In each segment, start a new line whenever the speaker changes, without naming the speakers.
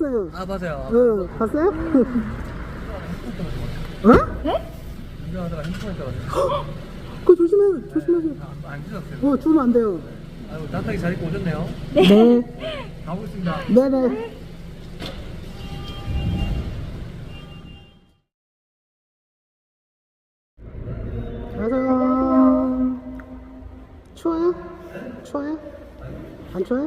봤어요.
아 맞아요.
응, 봤어요? 어?
네?
운전하다가 핸드폰에 떠가지고
그거 조심하세요.
안 찢었어요.
주면 안 돼요.
아유 따뜻하게 잘 입고 오셨네요.
네.
가보겠습니다.
네네. 안녕하세요. 추워요? 추워요? 안 추워요?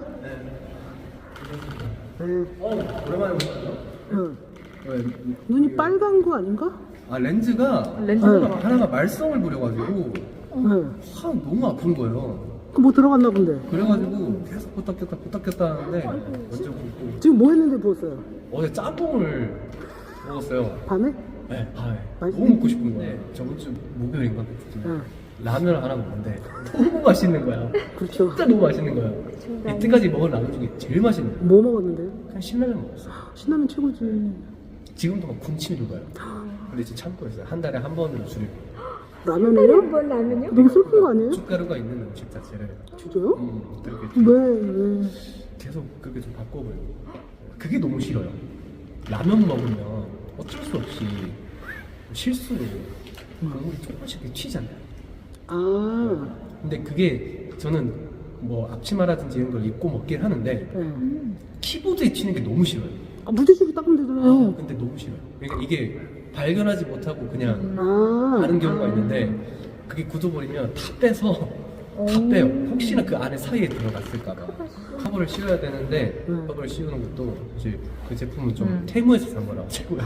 네.
오랜만에 오셨죠?
응. 눈이 빨간 거 아닌가?
아 렌즈가 하나가 말썽을 부려가지고
응.
너무 아픈 거예요.
그 뭐 들어갔나 본데.
그래가지고 계속 부탁했다 하는데 어쩌고
지금 뭐 했는데 부었어요?
어제 짬뽕을 먹었어요.
밤에?
네, 밤에
맛있-
너무 먹고 싶은 거예요. 저번 주 목요일인가
응.
라면을 하나 먹는데 너무 맛있는 거야.
그렇죠.
진짜 너무 맛있는 거야. 이때까지 먹은 라면 중에 제일 맛있는 거야.
뭐 먹었는데?
그냥 신라면 먹었어.
신라면 최고지.
지금도 막 군침이 돌아요. 근데 지금 참고 있어요. 한 달에 한 번으로 줄이고.
라면이요?
뭘 라면요?
너무 슬픈 거 아니에요?
춧가루가 있는 음식 자체를
진짜요?
그렇게
왜?
계속 그렇게 좀 바꿔보려고. 그게 너무 싫어요. 라면 먹으면 어쩔 수 없이 실수로 국물이 조금씩 이렇게 튀잖아요.
아,
근데 그게 저는 뭐 앞치마라든지 이런 걸 입고 먹긴 하는데
네.
키보드에 튀는 게 너무 싫어요.
아, 물티슈로 닦으면 되잖아요.
근데 너무 싫어요. 그러니까 이게 발견하지 못하고 그냥
아,
하는 경우가 있는데 그게 굳어버리면 다 빼서 다 빼요. 혹시나 그 안에 사이에 들어갔을까봐 커버를 씌워야 되는데 커버를 씌우는 것도 이제 그 제품은 좀 테무에서 산 거라 최고야.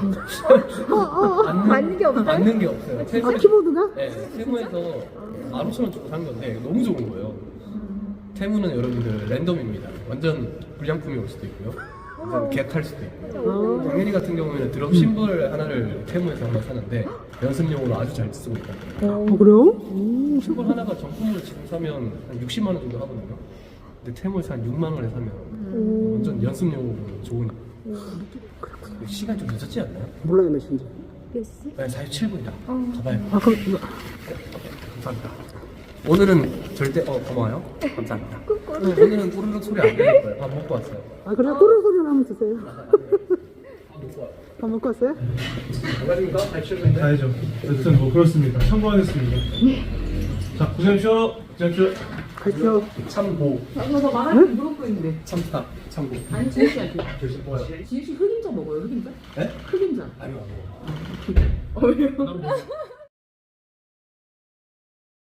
맞는 게 없어요?
맞는 게 없어요.
아, 키보드가?
네, 테무에서 15,000원 주고 산 건데 너무 좋은 거예요. 테무는 여러분들 랜덤입니다. 완전 불량품이 올 수도 있고요. 완전 개탈 수도 있고요. 당연히 같은 경우에는 드럼 심벌 하나를 테무에서 하나 사는데 연습용으로 아주 잘 쓰고 있거든요.
그래요?
심벌 하나가 정품으로 지금 사면 한 60만 원 정도 하거든요. 근데 테무에서 한 6만 원에 사면 완전 연습용으로 좋은. 시간 좀 늦었지 않나요?
몰라요, 몇 시인지.
몇 시?
네, 47분이다. 가봐요.
아, 그럼,
감사합니다. 오늘은 절대 고마워요. 감사합니다. 오늘은 꼬르륵 소리 안 들릴 거예요. 밥 먹고 왔어요.
아, 그래? 꼬르륵 소리 한번 주세요.
밥 먹고 왔어요.
밥 먹고 왔어요?
안녕하십니까? 잘 치셨는데?
가야죠. 여튼 뭐 그렇습니다. 참고하겠습니다. 자, 고생하십시오. 고생하십시오.
가시죠.
참고.
저 말할 때 물어보고 있는데.
참다. 참고.
아니, 지혜 씨한테.
뭐요?
지혜 씨 흑임자 먹어요, 흑임자?
네?
흑임자.
아니요.
왜요?
난 뭐,